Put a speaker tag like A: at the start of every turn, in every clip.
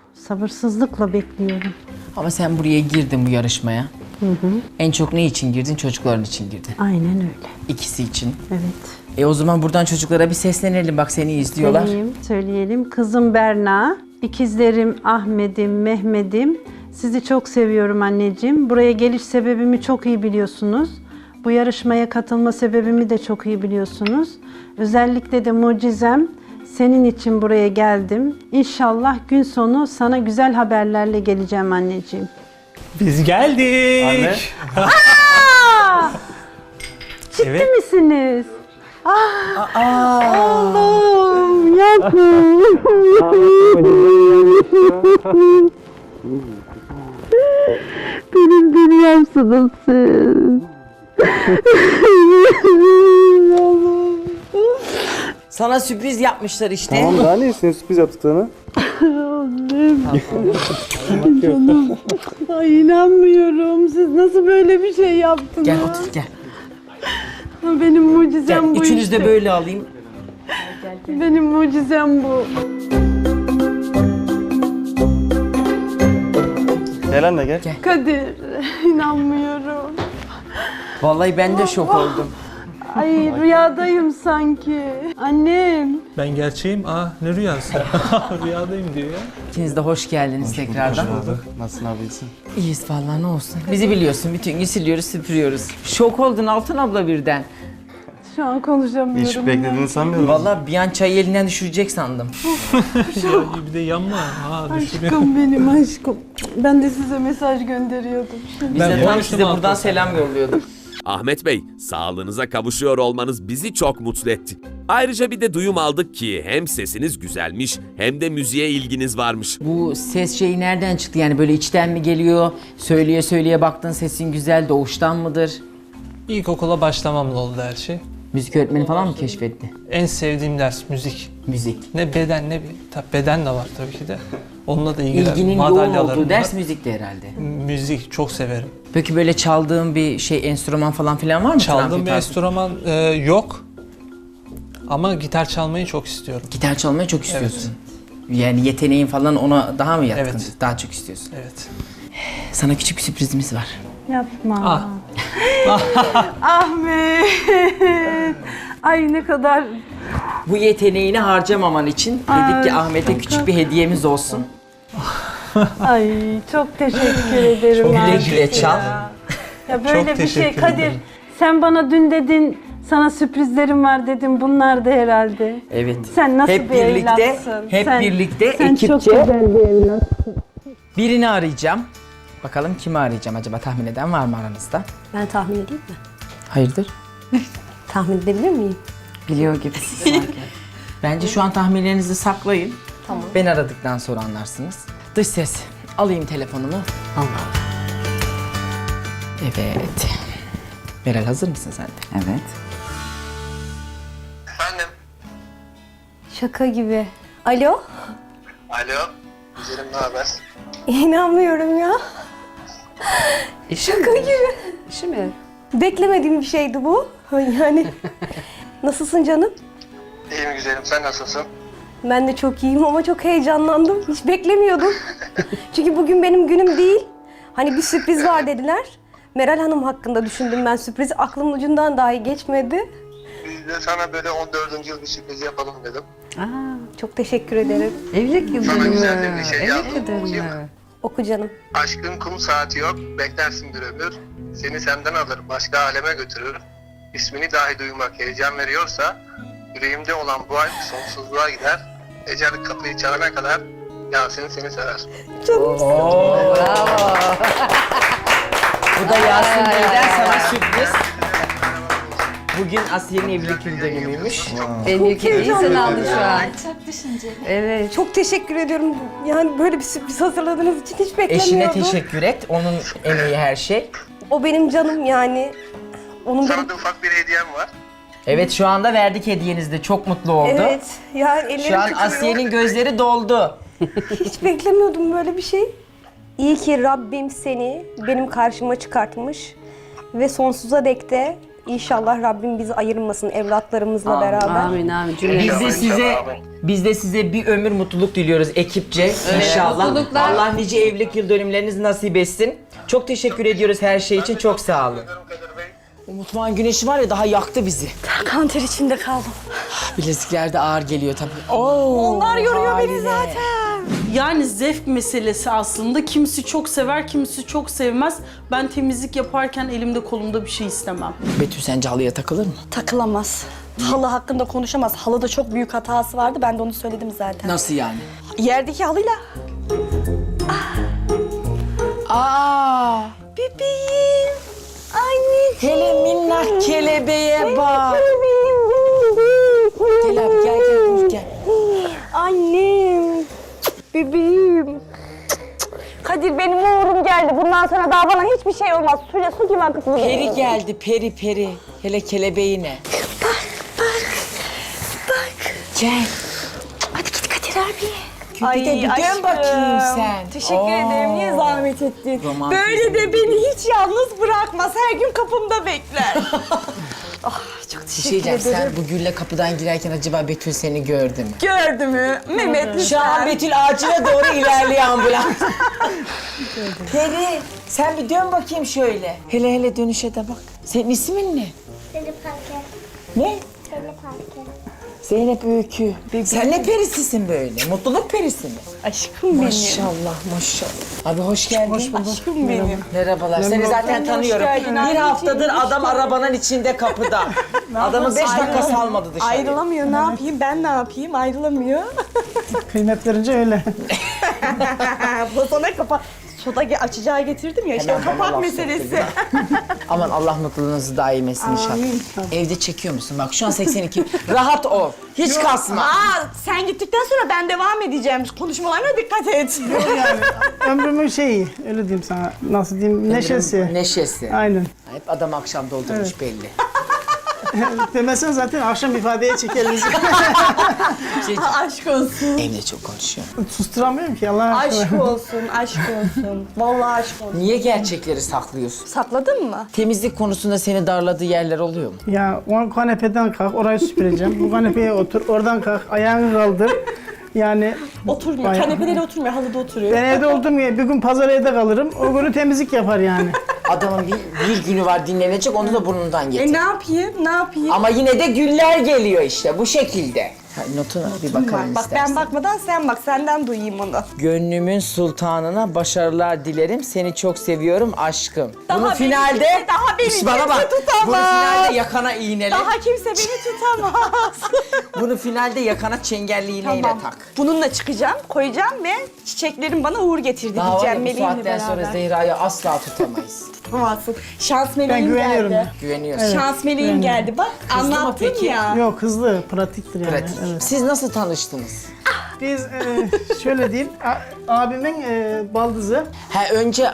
A: Sabırsızlıkla bekliyorum.
B: Ama sen buraya girdin bu yarışmaya. En çok ne için girdin? Çocukların için girdin.
A: Aynen öyle.
B: İkisi için.
A: Evet.
B: O zaman buradan çocuklara bir seslenelim. Bak seni izliyorlar.
A: Söyleyelim. Kızım Berna, ikizlerim Ahmet'im, Mehmet'im. Sizi çok seviyorum anneciğim. Buraya geliş sebebimi çok iyi biliyorsunuz. Bu yarışmaya katılma sebebimi de çok iyi biliyorsunuz. Özellikle de mucizem senin için buraya geldim. İnşallah gün sonu sana güzel haberlerle geleceğim anneciğim.
C: Biz geldik.
D: Anne.
A: Ciddi
C: Evet.
A: misiniz? Allah'ım yapma. Benim dünyamsınız siz.
B: Sana sürpriz yapmışlar işte.
D: Tamam daha ne istiyorsun sürpriz yaptıklarını?
A: Canım. Ay inanmıyorum. Siz nasıl böyle bir şey yaptınız?
B: Gel otur gel.
A: Benim mucizem
B: Gel
A: bu
B: üçünüz
A: işte.
B: de böyle alayım.
A: Benim mucizem bu.
D: Gel anne gel.
A: Kadir, inanmıyorum.
B: Vallahi ben de şok oldum.
A: Ay rüyadayım sanki. Annem.
C: Ben gerçeğim. Ne rüyası? Rüyadayım diyor ya.
B: İkiniz de hoş geldiniz tekrardan.
D: Nasılsın abi iyisin?
B: İyiyiz vallahi ne olsun. Bizi biliyorsun bütün gün siliyoruz süpürüyoruz. Şok oldun Altın abla birden.
A: Şu an konuşamıyorum.
D: Hiç beklediğini sanmıyorum.
B: Vallahi bir an çayı elinden düşürecek sandım.
C: Ya, bir de yanma. Düşürüyor.
A: Aşkım benim aşkım. Ben de size mesaj gönderiyordum.
B: Biz
C: Ben
B: de tam
C: konuştum
B: size
C: Altın
B: buradan
C: abla.
B: selam yolluyorduk.
E: Ahmet Bey, sağlığınıza kavuşuyor olmanız bizi çok mutlu etti. Ayrıca bir de duyum aldık ki hem sesiniz güzelmiş hem de müziğe ilginiz varmış.
B: Bu ses şeyi nereden çıktı yani böyle içten mi geliyor? Söyleye söyleye baktın sesin güzel doğuştan mıdır?
C: İlkokula başlamamla oldu her şey.
B: Müzik öğretmeni falan mı keşfetti?
C: En sevdiğim ders müzik.
B: Müzik.
C: Ne beden ne bir... Tabii beden de var tabii ki de. Onunla da ilgili
B: İlginin yoğun
C: madalyalarım
B: olduğu ders
C: var.
B: müzikti herhalde.
C: Müzik çok severim.
B: Peki böyle çaldığın bir şey enstrüman falan filan var mı?
C: Çaldığım
B: Trampet
C: bir
B: tarzı?
C: enstrüman yok. Ama gitar çalmayı çok istiyorum.
B: Gitar çalmayı çok istiyorsun. Yani yeteneğin falan ona daha mı yatkın?
C: Evet.
B: Daha çok istiyorsun.
C: Evet.
B: Sana küçük bir sürprizimiz var.
A: Yapma. Ahmet. Ay ne kadar...
B: Bu yeteneğini harcamaman için dedik ki Ahmet'e küçük bir hediyemiz olsun.
A: Ay çok teşekkür ederim.
C: Çok
B: Güle
A: Ahmet
B: güle
A: ya.
B: çal.
A: Ya böyle
C: Çok
A: bir şey
C: teşekkür
A: Kadir.
C: ederim.
A: Sen bana dün dedin sana sürprizlerim var dedim. Bunlar da herhalde.
B: Evet.
A: Sen nasıl
B: hep
A: bir
B: birlikte,
A: evlatsın?
B: hep birlikte
A: sen
B: ekipçe
A: çok güzel bir evlatsın.
B: birini arayacağım. Bakalım kimi arayacağım acaba, tahmin eden var mı aranızda?
F: Ben tahmin edeyim mi?
B: Hayırdır?
F: Tahmin edebilir miyim?
B: Biliyor gibisin sanki. Bence şu an tahminlerinizi saklayın.
F: Tamam.
B: Ben aradıktan sonra anlarsınız. Dış ses. Alayım telefonumu.
F: Allah.
B: Evet. Meral hazır mısın sen de?
G: Evet.
H: Efendim?
F: Şaka gibi. Alo?
H: Alo? Güzelim ne haber?
F: İnanmıyorum ya. Şaka gibi.
G: İşi mi?
F: Beklemediğim bir şeydi bu. Yani. Nasılsın canım?
H: İyiyim güzelim sen nasılsın?
F: Ben de çok iyiyim ama çok heyecanlandım. Hiç beklemiyordum. Çünkü bugün benim günüm değil. Hani bir sürpriz var dediler. Meral Hanım hakkında düşündüm ben sürprizi. Aklımın ucundan dahi geçmedi.
H: Biz de sana böyle 14. yıl bir sürpriz yapalım dedim.
F: Çok teşekkür ederim.
G: Evlilik yıl
H: Sana
G: dönümü.
H: güzel de bir şey
G: Evlilik
H: yazdım,
G: yıl dönümü.
H: okuyayım.
F: Oku canım.
H: Aşkın kum saati yok, beklersin bir ömür. Seni senden alır, başka aleme götürür. İsmini dahi duymak heyecan veriyorsa, yüreğimde olan bu aşk sonsuzluğa gider. Ecel kapıyı çalana kadar Yasin seni sever.
B: Bu da Yasin Bey'den sana sürpriz. Bugün Asiye'nin evlilik yıl dönümüymüş.
G: Benim ilk hediyeyi sen aldın şu an.
I: Çok düşünceli.
G: Evet.
F: Çok teşekkür ediyorum. Yani böyle bir sürpriz hazırladığınız için hiç beklemiyordum.
B: Eşine teşekkür et. Onun emeği her şey.
F: O benim canım yani. Onun benim...
H: Sana da ufak bir hediyem var.
B: Evet şu anda verdik hediyenizi de. Çok mutlu oldu.
F: Evet. Yani ellerim
B: Şu an
F: titriyor.
B: Asiye'nin gözleri doldu.
F: Hiç beklemiyordum böyle bir şey. İyi ki Rabbim seni benim karşıma çıkartmış ve sonsuza dek de İnşallah Rabbim bizi ayırmasın evlatlarımızla beraber.
G: Amin amin. Cümle.
B: Biz de size bir ömür mutluluk diliyoruz ekipçe inşallah.
G: mutluluklar.
B: Allah nice evlilik yıl dönümlerinizi nasip etsin. Çok teşekkür ediyoruz her şey için. Çok sağ olun.
H: Kadir Bey.
B: O mutfağın güneşi var ya daha yaktı bizi.
F: Kanter içinde kaldım.
B: Bilezikler de ağır geliyor tabii.
F: Onlar yoruyor beni zaten.
I: Yani zevk meselesi aslında. Kimisi çok sever, kimisi çok sevmez. Ben temizlik yaparken elimde kolumda bir şey istemem.
B: Betül sence halıya takılır mı?
J: Takılamaz. Halı hakkında konuşamaz. Halıda çok büyük hatası vardı. Ben de onu söyledim zaten.
B: Nasıl yani?
J: Yerdeki halıyla.
B: Aa!
J: Bebeğim. Anneciğim.
B: Hele minnak kelebeğe bak. Gel abi gel dur gel.
J: Annem. Bebeğim. Kadir benim uğurum geldi. Bundan sonra daha bana hiçbir şey olmaz. Suyla su gibi akıp gidiyor.
B: Peri geldi peri. Hele kelebeğine.
J: Bak.
B: Gel.
J: Hadi git Kadir abi.
B: Bir de bir dön bakayım sen.
J: Teşekkür ederim. Niye zahmet ettin?
B: Romantizm.
J: Böyle de beni hiç yalnız bırakmaz. Her gün kapımda bekler. Çok
B: Bir
J: teşekkür
B: şey diyeceğim,
J: ederim.
B: sen bu gülle kapıdan girerken acaba Betül seni gördü mü?
J: Gördü mü? Mehmet
B: Şu an
J: lütfen.
B: Betül ağacına doğru ilerliyor ambulans. Peri, sen bir dön bakayım şöyle. Hele dönüşe de bak. Senin ismin ne?
K: Zeynep Parker.
B: Ne?
K: Zeynep Parker.
B: Zeynep Öykü. Sen ne perisisin böyle? Mutluluk perisi mi?
J: Aşkım benim.
B: Maşallah. Abi hoş geldin. Hoş bulduk.
J: Aşkım benim.
B: Merhabalar. Seni zaten tanıyorum.
J: geldin.
B: Bir haftadır adam arabanın içinde kapıda. Adamı 5 dakika salmadı dışarı.
J: Ayrılamıyor. Ne yapayım? Ben ne yapayım? Ayrılamıyor.
L: Kıymetlerince öyle.
J: Bu sana kapak. Soda açacağı getirdim ya. İşte
B: Hemen
J: o
B: bana
J: kapak
B: laf
J: meselesi.
B: soktu. Aman Allah mutluluğunuzu daim etsin inşallah. Evde çekiyor musun? Bak şu an 82. Rahat ol. Hiç kasma.
J: Sen gittikten sonra ben devam edeceğim. Konuşmalarına dikkat et.
L: Yani ömrümün şeyi, öyle diyeyim sana. Nasıl diyeyim, neşesi.
B: Neşesi.
L: Aynen.
B: Hep adam akşam doldurmuş belli.
L: Demesen zaten akşam ifadeye çekeriz.
J: Aşk olsun.
B: Evde çok konuşuyor.
L: Susturamıyorum ki Allah aşkına.
J: Aşk olsun, aşk olsun. Vallahi aşk olsun.
B: Niye gerçekleri saklıyorsun?
J: Sakladın mı?
B: Temizlik konusunda seni darladığı yerler oluyor mu?
L: Ya o kanepeden kalk, orayı süpüreceğim. Bu kanepeye otur, oradan kalk, ayağını kaldır. Yani
J: Oturmuyor.
L: Bayağı.
J: Kanepeleri oturmuyor, halıda oturuyor.
L: ben evde oldum ya, bir gün pazar evde kalırım. O günü temizlik yapar yani.
B: Adamın bir günü var dinlenecek, onu da burnundan getir.
J: Ne yapayım? Ne yapayım?
B: Ama yine de güller geliyor işte bu şekilde. Ha, notuna bir bakalım
J: Bak
B: istersen.
J: ben bakmadan sen bak. Senden duyayım onu.
B: Gönlümün sultanına başarılar dilerim. Seni çok seviyorum aşkım.
J: Daha
B: Bunu
J: beni
B: finalde
J: kimse- daha beni
B: İşte bana
J: kimse
B: bak.
J: tutamaz.
B: Bunu finalde yakana iğnele.
J: Daha kimse beni tutamaz.
B: Bunu finalde yakana çengelli iğneyle tak.
J: Bununla çıkacağım, koyacağım ve çiçeklerin bana uğur getirdi
B: Daha var
J: diyeceğim
B: ya, bu
J: meleğimle
B: saatten
J: beraber.
B: sonra Zehra'yı asla tutamayız.
J: Tutamazsın. Şans
L: Ben
J: meleğim
L: güveniyorum.
J: geldi.
B: Güveniyorsun.
J: Şans meleğim geldi bak.
B: Kızdı mı
J: Anlattım
B: peki?
J: ya.
L: Yok, hızlı, pratiktir yani.
B: Pratik.
L: Evet.
B: Siz nasıl tanıştınız?
L: Biz şöyle diyeyim, abimin baldızı,
B: Ha önce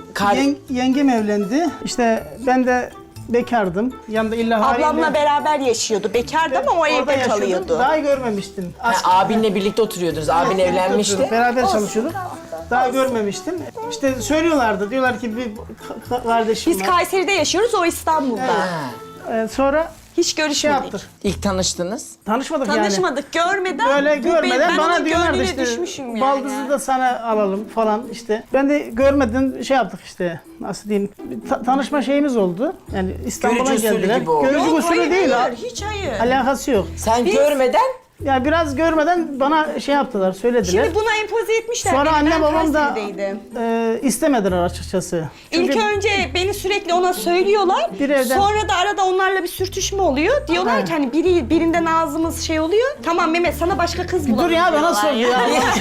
L: yengem evlendi. İşte ben de bekardım. Yanında illa
J: Ablamla beraber yaşıyordu. Bekardı ama o
L: orada
J: evde
L: yaşıyordum.
J: kalıyordu.
L: Daha görmemiştim.
B: abinle birlikte oturuyordunuz. Abin evlenmişti.
L: Beraber çalışıyorduk. Daha görmemiştim. İşte söylüyorlardı. Diyorlar ki bir kardeşim
J: Biz
L: var.
J: Kayseri'de yaşıyoruz, o İstanbul'da.
B: Ha.
L: Sonra
J: Hiç
L: şey
J: görüşmedik.
L: yaptık.
B: İlk tanıştınız.
L: Tanışmadık yani.
J: Tanışmadık, görmeden.
L: Böyle görmeden
J: ben
L: bana
J: onun
L: diyorlardı
J: gönlüne
L: işte
J: düşmüşüm yani.
L: baldızı da sana alalım falan işte. Ben de görmeden şey yaptık işte, nasıl diyeyim, tanışma şeyimiz oldu. Yani İstanbul'a
B: Görücü usulü
L: geldiler.
B: gibi oldu.
L: Görücü
J: Yok,
L: usulü
J: hayır,
L: değil.
J: hayır, hiç hayır.
L: Alakası yok.
B: Sen görmeden
L: Ya biraz görmeden bana şey yaptılar, söylediler.
J: Şimdi buna empoze etmişler.
L: Sonra
J: beni.
L: anne
J: Ben
L: babam da
J: Kayseri'deydim.
L: istemediler açıkçası.
J: İlk
L: Çünkü
J: önce beni sürekli ona söylüyorlar.
L: Bir evden-
J: Sonra da arada onlarla bir sürtüşme oluyor. Diyorlar ki hani birinden ağzımız şey oluyor. Tamam Mehmet sana başka kız bulalım.
L: dur ya, bana
J: diyorlar
L: sor ya.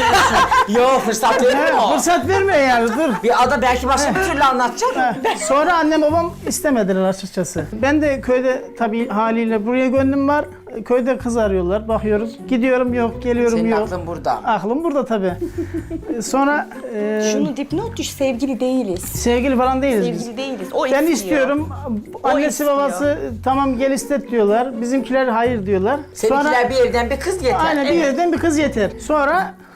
B: yok fırsat vermiyor mu?
L: Fırsat vermiyor yani, dur.
B: Bir ada belki başka bir türlü anlatacak.
L: Ha, sonra annem babam istemediler açıkçası. Ben de köyde tabii haliyle buraya gönlüm var. Köyde kız arıyorlar, bakıyoruz. Gidiyorum yok, geliyorum
B: Senin
L: yok.
B: aklın burada.
L: Aklım burada tabii. Sonra
J: Şunu dipnot düş, sevgili değiliz.
L: sevgili falan değiliz biz.
J: Sevgili değiliz. O
L: Ben
J: istiyor.
L: istiyorum. Annesi
J: istiyor.
L: babası tamam gel istet diyorlar. Bizimkiler hayır diyorlar.
B: Seninkiler bir evden bir kız yeter.
L: Aynen bir yerden bir kız yeter. Sonra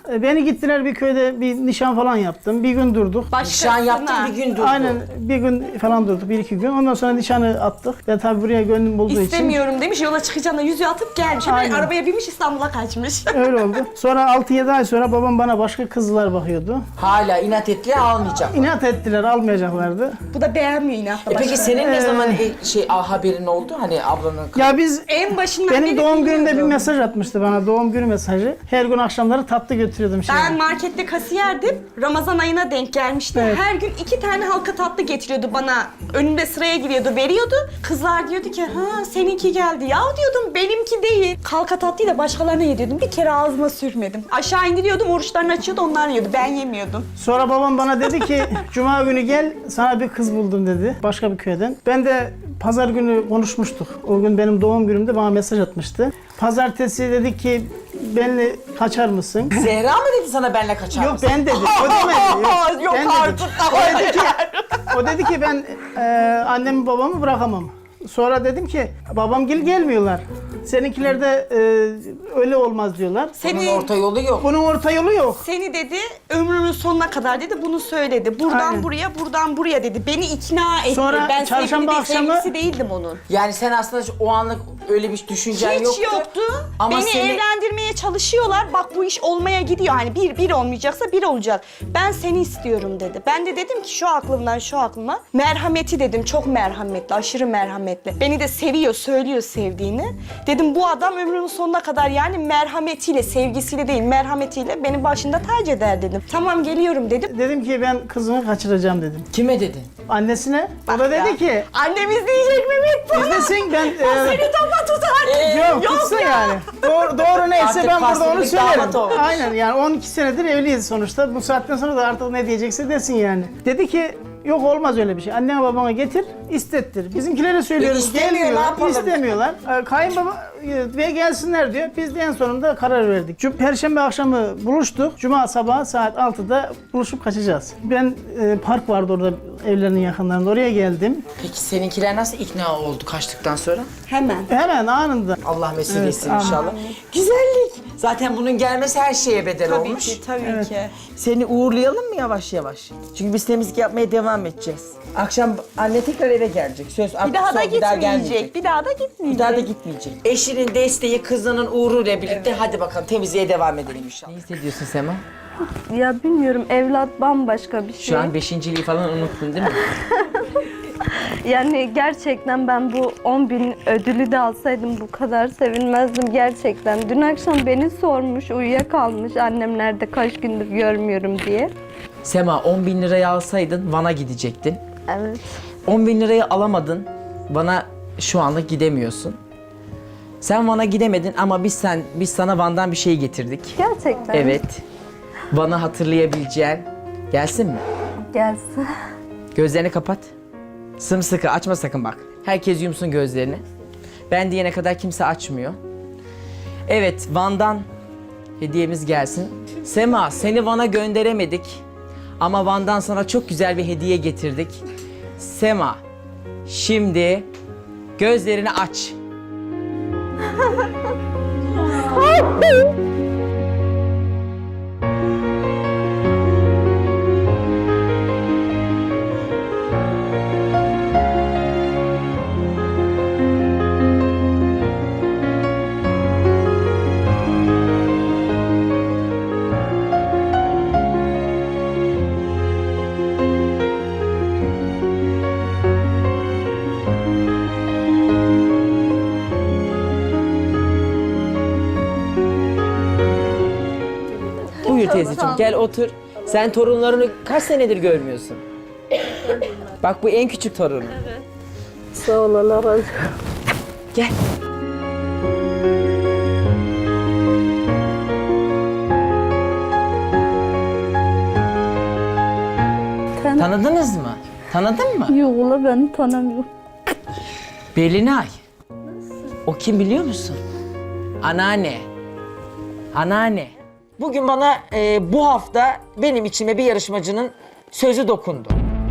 L: Beni gittiler bir köyde bir nişan falan yaptım. Bir gün durduk.
B: Nişan yaptın bir gün durdu.
L: Aynen bir gün falan durduk, 1-2 gün. Ondan sonra nişanı attık. Ben tabii buraya gönlüm bulduğu için.
J: İstemiyorum demiş, yola çıkacağına yüzüğü atıp gelmiş. Hemen
L: Aynen.
J: arabaya binmiş, İstanbul'a kaçmış.
L: Öyle oldu. Sonra 6-7 ay sonra babam bana başka kızlar bakıyordu.
B: Hala inat ettiler almayacak.
L: İnat ettiler, almayacaklardı.
J: Bu da beğenmiyor inatla.
B: Peki senin ne zaman haberin oldu? Hani ablanın...
L: Ya biz
J: En başından
L: benim
J: beri
L: doğum günümde bir
J: biliyordum.
L: mesaj atmıştı bana, doğum günü mesajı. Her gün akşamları tatlı götürüyordum şimdi.
J: Ben markette kasiyerdim. Ramazan ayına denk gelmişti.
L: Evet.
J: Her gün 2 tane halka tatlı getiriyordu bana. Önümde sıraya giriyordu, veriyordu. Kızlar diyordu ki, ha seninki geldi. Ya diyordum, benimki değil. Halka tatlıyı da başkalarına yediriyordum. Bir kere ağzıma sürmedim. Aşağı indiriyordum, oruçlarını açıyordu, onlar yiyordu. Ben yemiyordum.
L: Sonra babam bana dedi ki cuma günü gel sana bir kız buldum dedi başka bir köyden. Ben de pazar günü konuşmuştuk. O gün benim doğum günümde bana mesaj atmıştı. Pazartesi dedi ki benimle kaçar mısın?
B: Zehra mı dedi sana benle kaçar
L: Yok
B: mısın?
L: ben dedi. O demedi.
J: Yok
L: ben
J: artık.
L: Dedi. O dedi ki ben annemi babamı bırakamam. Sonra dedim ki babamgil gelmiyorlar. Seninkiler de öyle olmaz diyorlar.
B: Bunun orta yolu yok.
L: Bunun orta yolu yok.
J: Seni dedi, ömrünün sonuna kadar dedi, bunu söyledi. Buradan
L: Aynen.
J: buraya, buradan buraya dedi. Beni ikna etti.
L: Sonra
J: ben
L: çarşamba
J: sevgilisi değildim onun.
B: Yani sen aslında o anlık öyle bir düşüncen
J: Hiç yoktu.
B: Ama
J: Beni
B: seni...
J: evlendirmeye çalışıyorlar. Bak bu iş olmaya gidiyor. Hani bir olmayacaksa bir olacak. Ben seni istiyorum dedi. Ben de dedim ki şu aklımdan şu aklıma. Merhameti dedim. Çok merhametli, aşırı merhametli. Beni de seviyor, söylüyor sevdiğini. Dedim bu adam ömrünün sonuna kadar yani merhametiyle, sevgisiyle değil, merhametiyle beni başında tac eder dedim. Tamam geliyorum dedim.
L: Dedim ki ben kızımı kaçıracağım dedim.
B: Kime dedin?
L: Annesine. O da dedi ki
J: Annem izleyecek Mehmet bana.
L: izlesin ben...
J: Seni topa tutar.
L: Yok tutsun yani. Doğru neyse
B: Artık
L: ben burada onu
B: pasiflik damat
L: söylerim.
B: olmuş.
L: Aynen yani 12 senedir evliyiz sonuçta. Bu saatten sonra da artık ne diyecekse desin yani. Dedi ki yok olmaz öyle bir şey. Annene babana getir, istettir. Bizimkilere söylüyoruz.
B: İstemiyor, ne
L: Gelmiyorlar,
B: yapalım?
L: istemiyorlar. Kayınbaba ve gelsinler diyor. Biz de en sonunda karar verdik. Perşembe akşamı buluştuk. Cuma sabahı saat 6'da buluşup kaçacağız. Ben park vardı orada evlerinin yakınlarında. Oraya geldim.
B: Peki seninkiler nasıl ikna oldu kaçtıktan sonra?
L: Hemen anında.
B: Allah mesut etsin
L: Evet,
B: inşallah. Güzellik. Zaten bunun gelmesi her şeye bedel
J: Tabii
B: olmuş.
J: ki, tabii ki.
M: Seni uğurlayalım mı yavaş yavaş? Çünkü biz temizlik yapmaya devam edeceğiz. Akşam anne tekrar eve gelecek. Söz
J: Bir daha da
M: gelmeyecek.
J: gitmeyecek. Bir daha da gitmeyecek.
M: Bir daha da gitmeyecek. Eşinin desteği, kızının uğruyla birlikte hadi bakalım temizliğe devam edelim inşallah. Ne hissediyorsun Sema?
F: Ya bilmiyorum, evlat bambaşka bir şey.
M: Şu an beşinciliği falan unuttun değil mi?
F: Yani gerçekten ben bu 10.000 ödülü de alsaydım bu kadar sevinmezdim gerçekten. Dün akşam beni sormuş, uyuyakalmış annem nerede kaç gündür görmüyorum diye.
M: Sema 10.000 lirayı alsaydın Van'a gidecektin.
F: Evet.
M: 10.000 lirayı alamadın. Van'a şu anlık gidemiyorsun. Sen Van'a gidemedin ama biz sana Van'dan bir şey getirdik.
F: Gerçekten.
M: Evet. Van'ı hatırlayabileceğin. Gelsin mi?
F: Gelsin.
M: Gözlerini kapat. Sımsıkı açma sakın bak. Herkes yumsun gözlerini. Ben diyene kadar kimse açmıyor. Evet, Van'dan hediyemiz gelsin. Sema, seni Van'a gönderemedik. Ama Van'dan sana çok güzel bir hediye getirdik. Sema, şimdi gözlerini aç. Buyur teyzeciğim gel otur. Sen torunlarını kaç senedir görmüyorsun? Bak bu en küçük torunun. Evet.
F: Sağ ol, Allah razı olsun.
M: Gel. Tanıdınız mı? Tanıdın mı?
F: Yok ula, beni tanımıyor.
M: Belinay. O kim biliyor musun? Anneanne. Anneanne. Bugün bana bu hafta benim içime bir yarışmacının sözü dokundu.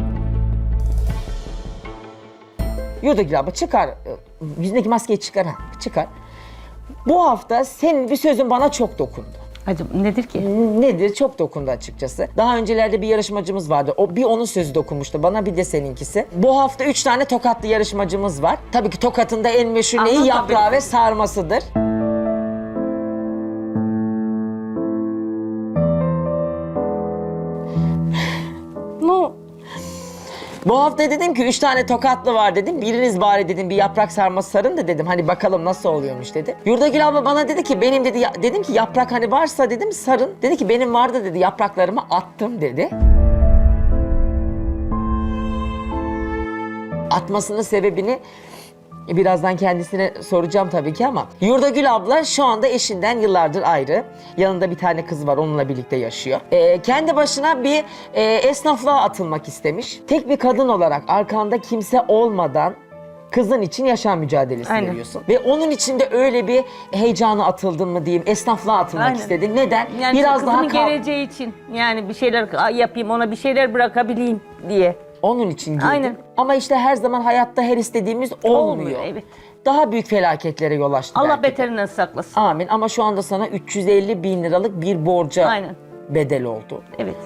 M: Yurdagil abla çıkar. Yüzündeki maskeyi çıkar. Çıkar. Bu hafta senin bir sözün bana çok dokundu.
G: Acaba nedir ki?
M: Nedir? Çok dokundu açıkçası. Daha öncelerde bir yarışmacımız vardı. Bir onun sözü dokunmuştu bana, bir de seninkisi. Bu hafta 3 tane Tokatlı yarışmacımız var. Tabii ki Tokat'ın da en meşhur neyi?
G: Anlat
M: Yaprağı
G: tabii.
M: ve sarmasıdır.
J: No.
M: Bu hafta dedim ki 3 tane Tokatlı var dedim. Biriniz bari dedim bir yaprak sarması sarın da dedim. Hani bakalım nasıl oluyormuş dedi. Yurdagül abla bana dedi ki benim dedi, dedim ki yaprak hani varsa dedim sarın. Dedi ki benim vardı dedi, yapraklarımı attım dedi. Atmasının sebebini birazdan kendisine soracağım tabii ki ama Yurdagül abla şu anda eşinden yıllardır ayrı. Yanında bir tane kız var, onunla birlikte yaşıyor. Kendi başına bir esnaflığa atılmak istemiş. Tek bir kadın olarak arkanda kimse olmadan kızın için yaşam mücadelesi
G: Aynen.
M: veriyorsun. Ve onun için de öyle bir heyecana atıldın mı diyeyim, esnaflığa atılmak
G: Aynen.
M: istedin. Neden?
G: Yani
M: Biraz daha
G: kızımın geleceği için yani bir şeyler yapayım, ona bir şeyler bırakabileyim diye.
M: Onun için girdim.
G: Aynen.
M: Ama işte her zaman hayatta her istediğimiz olmuyor.
G: Evet.
M: Daha büyük felaketlere yol açtı
G: Allah
M: belki de.
G: beterinden saklasın.
M: Amin. Ama şu anda sana 350 bin liralık bir borca
G: Aynen.
M: bedel oldu.
G: Evet.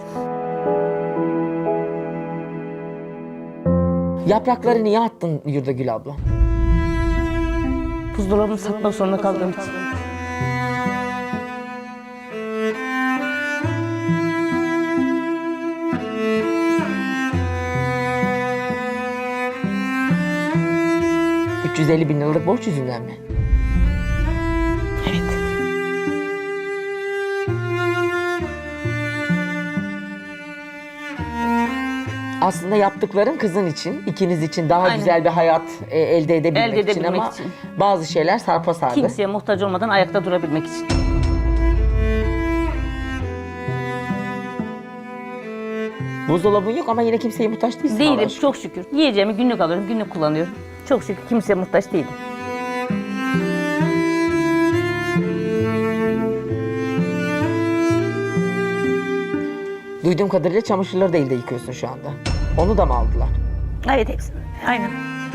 M: Yaprakları niye attın Yurdagül abla?
G: Buzdolabını satmak zorunda kaldığım için.
M: $350 bin liralık borç yüzünden mi? Evet. Aslında yaptıkların kızın için, ikiniz için daha
G: Aynen.
M: güzel bir hayat elde edebilmek,
G: Elde
M: için
G: edebilmek
M: ama
G: için.
M: bazı şeyler sarpa sardı.
G: Kimseye muhtaç olmadan ayakta durabilmek için.
M: Buzdolabın yok ama yine kimseye muhtaç değilsin. Allah'a
G: Değilim
M: şükür.
G: çok şükür. Yiyeceğimi günlük alıyorum, günlük kullanıyorum. Çok şükür kimseye muhtaç değilim.
M: Duyduğum kadarıyla çamaşırları da elde yıkıyorsun şu anda. Onu da mı aldılar?
G: Evet hepsini. Aynen.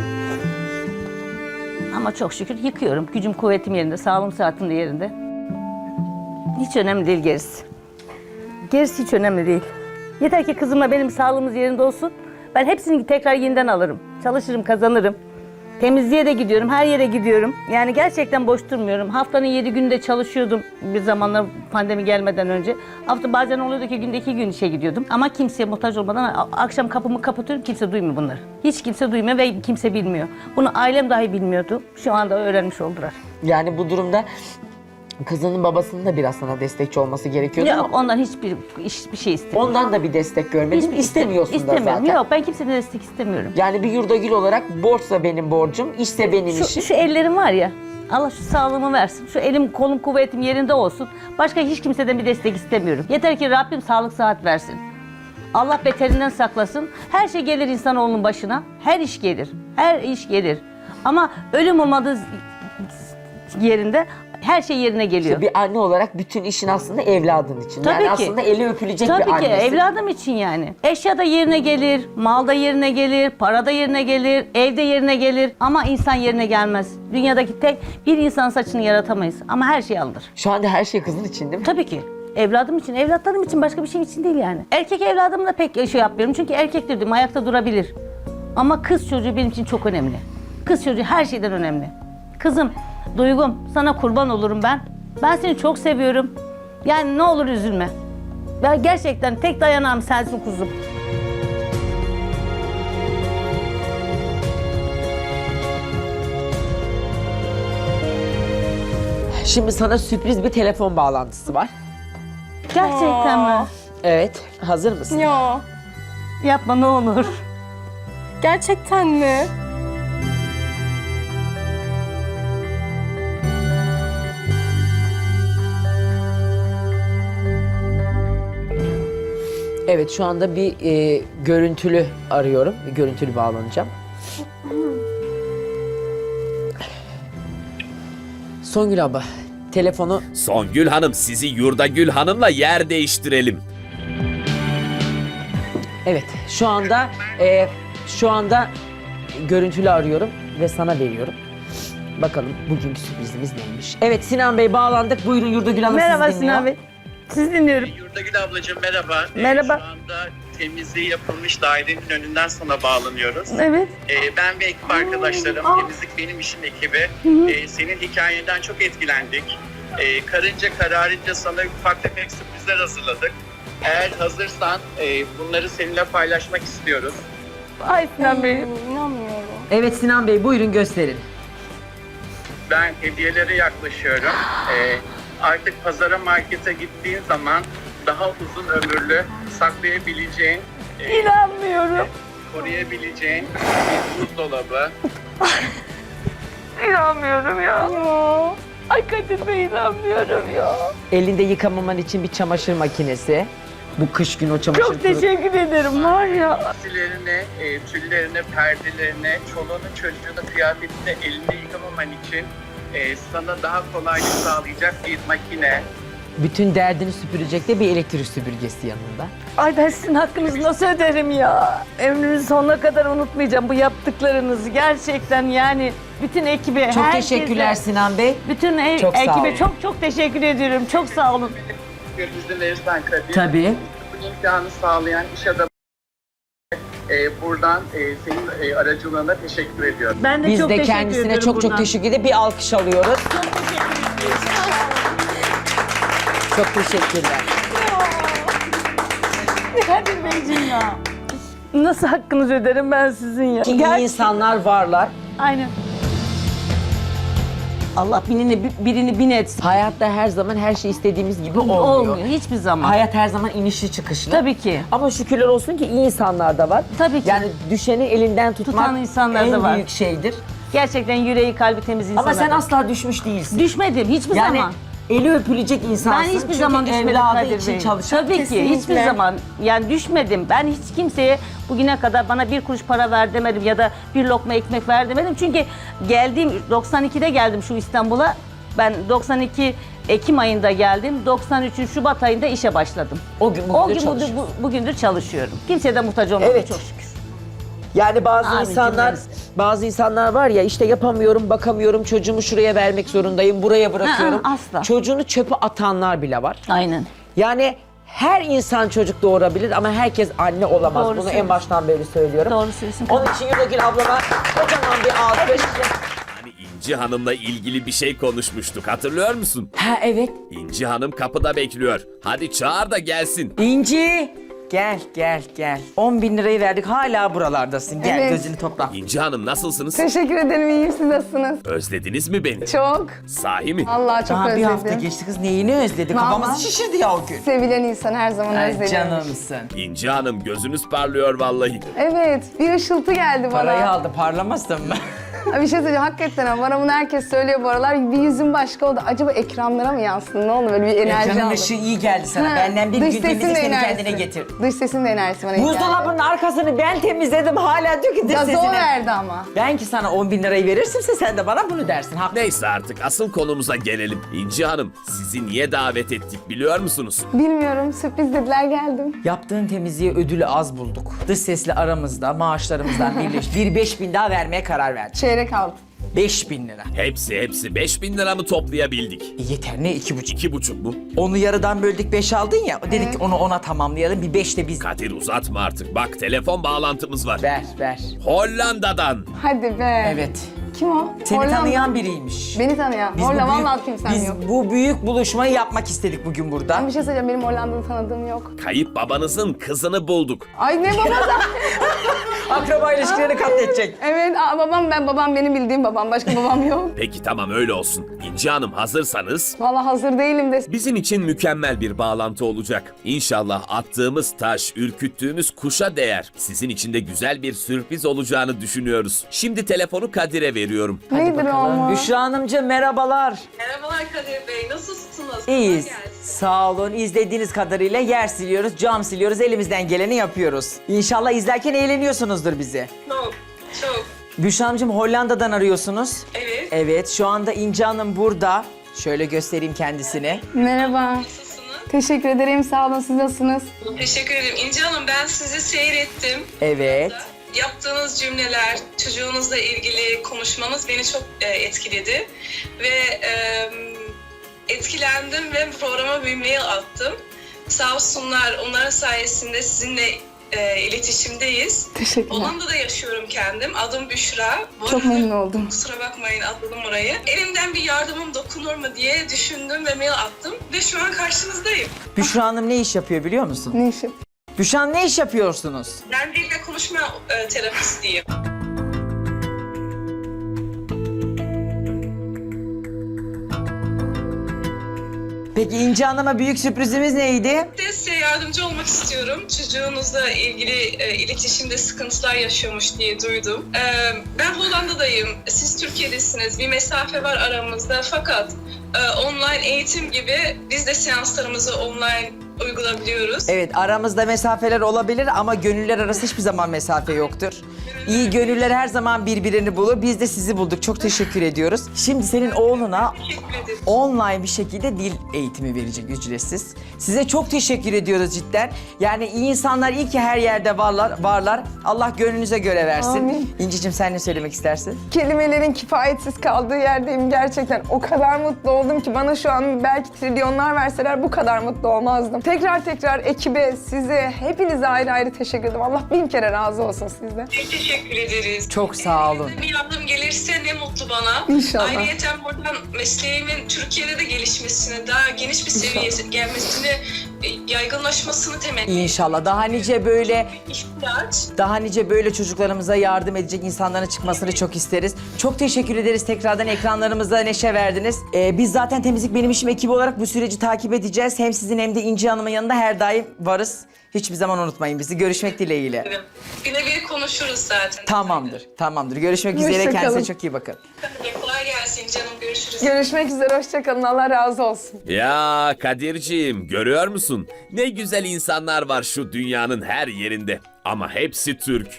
G: Ama çok şükür yıkıyorum. Gücüm kuvvetim yerinde, sağlığım saatim de yerinde. Hiç önemli değil gerisi. Gerisi hiç önemli değil. Yeter ki kızımla benim sağlığımız yerinde olsun. Ben hepsini tekrar yeniden alırım. Çalışırım, kazanırım. Temizliğe de gidiyorum, her yere gidiyorum. Yani gerçekten boş durmuyorum. Haftanın 7 günde çalışıyordum bir zamanlar pandemi gelmeden önce. Hafta bazen oluyordu ki günde 2 gün işe gidiyordum. Ama kimseye muhtaç olmadan akşam kapımı kapatıyorum, kimse duymuyor bunları. Hiç kimse duymuyor ve kimse bilmiyor. Bunu ailem dahi bilmiyordu. Şu anda öğrenmiş oldular.
M: Yani bu durumda kızının babasının da biraz sana destekçi olması gerekiyordu
G: Yok,
M: ama
G: ondan hiçbir şey istemiyorum.
M: ondan da bir destek görmedin. İstemiyorsun da
G: İstemiyorum.
M: zaten.
G: Yok, ben kimseden destek istemiyorum.
M: Yani bir Yurdagül olarak borçsa benim borcum, işse benim işim.
G: Şu ellerim var ya, Allah şu sağlığımı versin. Şu elim, kolum, kuvvetim yerinde olsun. Başka hiç kimseden bir destek istemiyorum. Yeter ki Rabbim sağlık sıhhat versin. Allah beterinden saklasın. Her şey gelir insanoğlunun başına. Her iş gelir. Her iş gelir. Ama ölüm olmadığı yerinde her şey yerine geliyor.
M: İşte bir anne olarak bütün işin aslında evladın için.
G: Tabii
M: yani
G: ki.
M: aslında eli öpülecek bir
G: Tabii ki
M: annesin.
G: evladım için yani. Eşya da yerine gelir, mal da yerine gelir, para da yerine gelir, ev de yerine gelir. Ama insan yerine gelmez. Dünyadaki tek bir insan saçını yaratamayız. Ama her şey alınır.
M: Şu anda her şey kızın için değil mi?
G: Tabii ki. Evladım için, evlatlarım için, başka bir şey için değil yani. Erkek evladımla pek şey yapmıyorum. Çünkü erkektir diyorum, ayakta durabilir. Ama kız çocuğu benim için çok önemli. Kız çocuğu her şeyden önemli. Kızım, Duygum, sana kurban olurum ben. Ben seni çok seviyorum. Yani ne olur üzülme. Ben gerçekten tek dayanağım sensin kuzum.
M: Şimdi sana sürpriz bir telefon bağlantısı var.
G: Gerçekten mi?
M: Evet, hazır mısın?
J: Ya.
G: Yapma ne olur.
J: Gerçekten mi?
M: Evet, şu anda bir görüntülü arıyorum. Bir görüntülü bağlanacağım. Songül abla, telefonu...
E: Songül Hanım, sizi Yurdagül Hanım'la yer değiştirelim.
M: Evet, şu anda görüntülü arıyorum ve sana veriyorum. Bakalım bugünkü sürprizimiz neymiş? Evet, Sinan Bey bağlandık. Buyurun Yurdagül Hanım,
G: Merhaba
M: sizi dinliyor.
G: Sinan Bey. Sizi dinliyorum.
H: Yurdagül ablacığım merhaba.
G: Merhaba.
H: Şu anda temizliği yapılmış dairenin önünden sana bağlanıyoruz.
G: Evet.
H: Ben ve ekip arkadaşlarım, Temizlik Benim İşim ekibi senin hikayenden çok etkilendik. Karınca kararınca sana ufak tefek sürprizler hazırladık. Eğer hazırsan bunları seninle paylaşmak istiyoruz.
G: Ay Sinan Bey.
F: İnanmıyorum.
M: Evet Sinan Bey buyurun gösterin.
H: Ben hediyelere yaklaşıyorum. Artık pazara, markete gittiğin zaman daha uzun ömürlü saklayabileceğin,
G: İnanmıyorum.
H: koruyabileceğin bir buzdolabı.
G: İnanmıyorum ya. Ay Kadir Bey inanmıyorum ya.
M: Elinde yıkamaman için bir çamaşır makinesi. Bu kış günü o çamaşır
G: Çok teşekkür ederim var ya.
H: Giysilerini, tüllerini, perdelerini, çoluğunu, çocuğunu, kıyafetini elinde yıkamaman için sana daha kolaylık sağlayacak bir makine.
M: Bütün derdini süpürecek de bir elektrik süpürgesi yanında.
G: Ay ben sizin hakkınızı nasıl öderim ya? Ömrümün sonuna kadar unutmayacağım bu yaptıklarınızı. Gerçekten yani bütün ekibe,
M: Çok
G: herkese,
M: teşekkürler Sinan Bey.
G: bütün
M: Çok sağ
G: ekibe
M: olun.
G: çok teşekkür ediyorum. Çok sağ olun.
H: İzin verirsen Kadir.
M: Tabii.
H: Bu imkanı sağlayan iş adamı buradan senin aracılığına teşekkür ediyorum.
G: Ben de
M: Biz
G: çok
M: de
G: teşekkür
M: kendisine
G: ediyorum
M: çok
G: buradan.
M: teşekkür edip bir alkış alıyoruz. Çok teşekkürler.
G: Kadir Beyciğim ya. Nasıl hakkınızı öderim ben sizin ya?
M: Ki iyi insanlar varlar.
G: Aynen. Allah birini bin etsin.
M: Hayatta her zaman her şey istediğimiz gibi olmuyor.
G: Olmuyor hiçbir zaman.
M: Hayat her zaman inişli çıkışlı.
G: Tabii ki.
M: Ama şükürler olsun ki iyi insanlar da var.
G: Tabii ki.
M: Yani düşeni elinden tutmak
G: Tutan insanlar
M: en
G: da var.
M: büyük şeydir.
G: Gerçekten yüreği kalbi temiz insanlar.
M: Ama sen
G: var.
M: asla düşmüş değilsin.
G: Düşmedim hiçbir
M: Yani
G: zaman.
M: eli öpülecek insansın.
G: Ben hiçbir
M: Çünkü
G: zaman düşmedim
M: evladı
G: Kadir
M: için
G: Bey.
M: çalışan.
G: Tabii ki hiçbir zaman yani düşmedim. Ben hiç kimseye bugüne kadar bana bir kuruş para ver demedim ya da bir lokma ekmek ver demedim. Çünkü 92'de geldim şu İstanbul'a. Ben 92 Ekim ayında geldim. 93'ün Şubat ayında işe başladım.
M: O gün
G: Bugündür çalışıyorum. Kimseye de muhtaç olmadım
M: Evet.
G: çok şükür.
M: Yani
G: Amin cümlemiz.
M: bazı insanlar var ya işte yapamıyorum, bakamıyorum, çocuğumu şuraya vermek zorundayım, buraya bırakıyorum.
G: asla.
M: Çocuğunu çöpe atanlar bile var.
G: Aynen.
M: Yani her insan çocuk doğurabilir ama herkes anne olamaz.
G: Doğru
M: Bunu en
G: söylüyorsun.
M: baştan beri söylüyorum.
G: Doğru söylüyorsun.
M: Onun için Yurdagül ablama kocaman bir alkış.
E: Hani İnci Hanım'la ilgili bir şey konuşmuştuk, hatırlıyor musun?
M: Ha evet.
E: İnci Hanım kapıda bekliyor. Hadi çağır da gelsin.
M: İnci. Gel. 10 bin lirayı verdik hala buralardasın. Gel
N: Evet.
M: gözünü topla.
E: İnci Hanım nasılsınız?
N: Teşekkür ederim, iyiyim. Siz nasılsınız?
E: Özlediniz mi beni?
N: Çok.
E: Sahi mi?
N: Vallahi çok
M: Daha bir
N: özledim.
M: hafta geçti kız neyini özledi?
N: Vallahi.
M: Kafamız şişirdi ya o gün.
N: Sevilen insan her zaman
M: Ay
N: özleniyor.
M: canımsın.
E: İnci Hanım gözünüz parlıyor vallahi.
N: Evet, bir ışıltı geldi bana.
M: Parayı aldı parlamasın mı?
N: Bir şey söyleyeceğim, hakikaten ama bana bunu herkes söylüyor bu aralar. Bir yüzüm başka oldu. Acaba ekranlara mı yansın? Ne oldu böyle bir enerji
M: Ekranın
N: aldım.
M: ışığı iyi geldi sana.
N: Ha,
M: Benden bir
N: dış
M: gün
N: sesin
M: temizle
N: de
M: seni
N: enerjisi.
M: kendine getir.
N: Dış sesin de enerjisi bana iyi geldi.
M: Buzdolabının arkasını ben temizledim hala diyor ki dış
N: Gazı o
M: sesini.
N: verdi ama.
M: Ben ki sana 10 bin lirayı verirsimse sen de bana bunu dersin. Haklı.
E: Neyse artık asıl konumuza gelelim. İnci Hanım sizi niye davet ettik biliyor musunuz?
N: Bilmiyorum, sürpriz dediler geldim.
M: Yaptığın temizliğe ödülü az bulduk. Dış sesli aramızda maaşlarımızdan birleşti. Bir 5 bin daha vermeye karar verdik.
N: Çeyrek aldım.
M: 5 bin lira.
E: Hepsi 5000 lira mı toplayabildik?
M: Yeter ne 2,5.
E: 2,5 mu?
M: Onu yarıdan böldük 5 aldın ya. Dedik ki onu 10'a tamamlayalım. Bir 5 de biz.
E: Kadir uzatma artık. Bak telefon bağlantımız var.
M: Ver.
E: Hollanda'dan.
N: Hadi be.
M: Evet.
N: Kim o?
M: Seni
N: Hollanda.
M: tanıyan biriymiş.
N: Beni tanıyan. Hollanda vallahi kimsem
M: biz
N: yok.
M: bu büyük buluşmayı yapmak istedik bugün burada.
N: Ben bir şey söyleyeceğim, benim Hollanda'da tanıdığım yok.
E: Kayıp babanızın kızını bulduk.
N: Ay ne babası?
M: Akraba ilişkilerini katledecek.
N: Evet, babam benim bildiğim babam. Başka babam yok.
E: Peki tamam öyle olsun. İnci Hanım hazırsanız
N: Vallahi hazır değilim de.
E: bizim için mükemmel bir bağlantı olacak. İnşallah attığımız taş, ürküttüğümüz kuşa değer. Sizin için de güzel bir sürpriz olacağını düşünüyoruz. Şimdi telefonu Kadir'e veriyorum.
N: Nedir o ama?
M: Büşra Hanımcığım merhabalar.
O: Merhabalar Kadir Bey, nasılsınız?
M: İyiyiz.
O: Kolay gelsin.
M: Sağ olun. İzlediğiniz kadarıyla yer siliyoruz, cam siliyoruz. Elimizden geleni yapıyoruz. İnşallah izlerken eğleniyorsunuzdur bizi.
O: Çok.
M: Büşra Hanımcığım Hollanda'dan arıyorsunuz.
O: Evet.
M: Evet. Şu anda İnci Hanım burada. Şöyle göstereyim kendisini.
N: Merhaba. Teşekkür ederim. Sağ olun. Siz nasılsınız?
O: Teşekkür ederim. İnci Hanım ben sizi seyrettim.
M: Evet.
O: Yaptığınız cümleler, çocuğunuzla ilgili konuşmanız beni çok etkiledi. Ve etkilendim ve programa bir mail attım. Sağ olsunlar, onların sayesinde sizinle iletişimdeyiz.
N: Teşekkürler.
O: Hollanda'da yaşıyorum kendim. Adım Büşra. Bu
N: Çok
O: arada
N: memnun oldum.
O: Kusura bakmayın atladım orayı. Elimden bir yardımım dokunur mu diye düşündüm ve mail attım. Ve şu an karşınızdayım.
M: Büşra Hanım ne iş yapıyor biliyor musun?
N: Ne işim?
M: Büşra Hanım ne iş yapıyorsunuz?
O: Ben dil ve konuşma terapistiyim.
M: Peki İnci Hanım'a büyük sürprizimiz neydi?
O: De size yardımcı olmak istiyorum. Çocuğunuzla ilgili iletişimde sıkıntılar yaşıyormuş diye duydum. Ben Hollanda'dayım. Siz Türkiye'desiniz. Bir mesafe var aramızda. Fakat online eğitim gibi biz de seanslarımızı online uygulayabiliyoruz.
M: Evet, aramızda mesafeler olabilir ama gönüller arası hiçbir zaman mesafe yoktur. İyi gönüller her zaman birbirini bulur. Biz de sizi bulduk. Çok teşekkür ediyoruz. Şimdi senin oğluna
O: Teşekkür ederim.
M: online bir şekilde dil eğitimi verecek ücretsiz. Size çok teşekkür ediyoruz cidden. Yani iyi insanlar iyi ki her yerde varlar. Allah gönlünüze göre versin.
N: Amin.
M: İnci'cim sen ne söylemek istersin?
N: Kelimelerin kifayetsiz kaldığı yerdeyim gerçekten. O kadar mutlu oldum ki bana şu an belki trilyonlar verseler bu kadar mutlu olmazdım. Tekrar ekibe, size, hepinize ayrı ayrı teşekkür ederim. Allah bin kere razı olsun sizden.
O: Teşekkür ederiz.
M: Çok sağ olun.
O: Bir yardım gelirse ne mutlu bana.
N: İnşallah.
O: Ayrıyeten buradan mesleğimin Türkiye'de de gelişmesini, daha geniş bir seviyeye gelmesini, yaygınlaşmasını temenni ediyorum.
M: İnşallah daha nice böyle çocuklarımıza yardım edecek insanların çıkmasını çok isteriz. Çok teşekkür ederiz tekrardan, ekranlarımıza neşe verdiniz. Biz zaten Temizlik Benim İşim ekibi olarak bu süreci takip edeceğiz. Hem sizin hem de İnci Hanım'ın yanında her daim varız. Hiçbir zaman unutmayın bizi. Görüşmek dileğiyle.
O: Birebir konuşuruz zaten.
M: Tamamdır. Görüşmek üzere.
N: Hoşça
M: Kendinize
N: kalın.
M: çok iyi bakın.
O: Kolay gelsin canım, görüşürüz.
N: Görüşmek üzere, hoşçakalın. Allah razı olsun.
E: Ya Kadirciğim, görüyor musun? Ne güzel insanlar var şu dünyanın her yerinde. Ama hepsi Türk.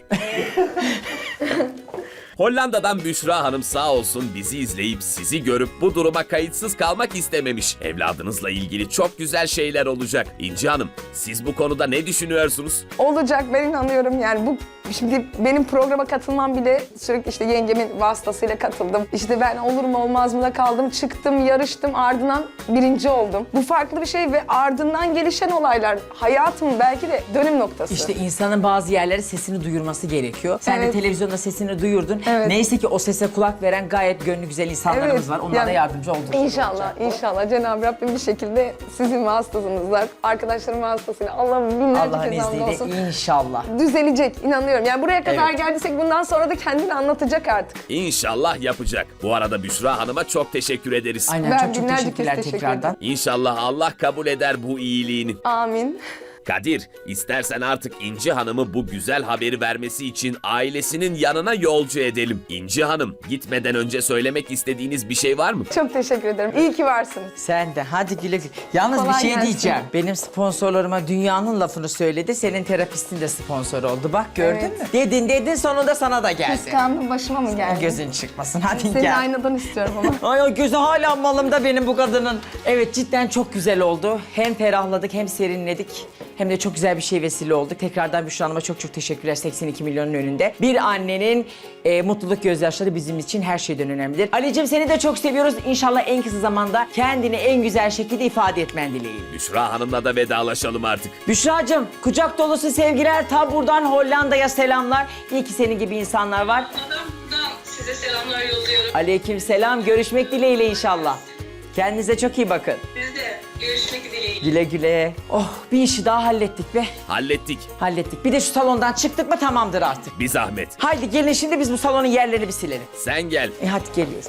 E: Hollanda'dan Büşra Hanım sağ olsun bizi izleyip sizi görüp bu duruma kayıtsız kalmak istememiş. Evladınızla ilgili çok güzel şeyler olacak. İnci Hanım, siz bu konuda ne düşünüyorsunuz?
N: Olacak, ben inanıyorum yani. Bu şimdi benim programa katılmam bile sürekli işte yengemin vasıtasıyla katıldım. İşte ben olur mu olmaz mı da kaldım, çıktım, yarıştım, ardından birinci oldum. Bu farklı bir şey ve ardından gelişen olaylar hayatımın belki de dönüm noktası.
M: İşte insanın bazı yerlere sesini duyurması gerekiyor. Sen de
N: Evet.
M: televizyonda sesini duyurdun.
N: Evet.
M: Neyse ki o sese kulak veren gayet gönlü güzel insanlarımız var. Onlara
N: yani
M: yardımcı olduk.
N: İnşallah Cenab-ı Rabbim bir şekilde sizin vasıtasınızla, arkadaşlarım vasıtasıyla Allah'ın binlerce
M: Allah'ın
N: kez hamd olsun.
M: izniyle inşallah.
N: Düzelecek, inanıyorum. Yani buraya kadar
M: Evet.
N: geldiysek bundan sonra da kendini anlatacak artık.
E: İnşallah yapacak. Bu arada Büşra Hanım'a çok teşekkür ederiz.
M: Aynen
N: Ben
M: çok
N: binlerce kez
M: teşekkürler
N: teşekkür
M: tekrardan.
E: İnşallah Allah kabul eder bu iyiliğini.
N: Amin.
E: Kadir, istersen artık İnci Hanım'ı bu güzel haberi vermesi için ailesinin yanına yolcu edelim. İnci Hanım, gitmeden önce söylemek istediğiniz bir şey var mı?
N: Çok teşekkür ederim. İyi ki varsınız.
M: Sen de hadi güle güle. Yalnız
N: Kolay
M: bir şey
N: gelsin.
M: diyeceğim. Benim sponsorlarıma dünyanın lafını söyledi. Senin terapistin de sponsor oldu. Bak gördün
N: Evet.
M: mü? Dedin sonunda sana da geldi.
N: Kıskandım, başıma mı geldi?
M: Gözün çıkmasın hadi
N: Seni
M: gel.
N: aynadan istiyorum ama.
M: Ay o gözü hala malımda benim bu kadının. Evet cidden çok güzel oldu. Hem ferahladık hem serinledik. Hem de çok güzel bir şey vesile olduk. Tekrardan Büşra Hanım'a çok teşekkürler 82 milyonun önünde. Bir annenin mutluluk gözyaşları bizim için her şeyden önemlidir. Ali'cim seni de çok seviyoruz. İnşallah en kısa zamanda kendini en güzel şekilde ifade etmen dileğiyle.
E: Büşra Hanım'la da vedalaşalım artık.
M: Büşra'cığım kucak dolusu sevgiler. Ta buradan Hollanda'ya selamlar. İyi ki senin gibi insanlar var.
O: Buradan size selamlar yolluyorum.
M: Aleyküm selam. Görüşmek dileğiyle inşallah. Kendinize çok iyi bakın.
O: Siz de görüşmek dileğiyle.
M: Güle güle. Oh bir işi daha hallettik be.
E: Hallettik.
M: Bir de şu salondan çıktık mı tamamdır artık.
E: Bir zahmet.
M: Haydi gelin şimdi biz bu salonun yerlerini bir silelim.
E: Sen gel.
M: Hadi geliyoruz.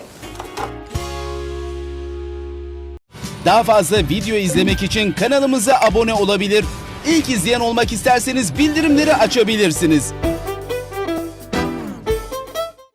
P: Daha fazla video izlemek için kanalımıza abone olabilir. İlk izleyen olmak isterseniz bildirimleri açabilirsiniz.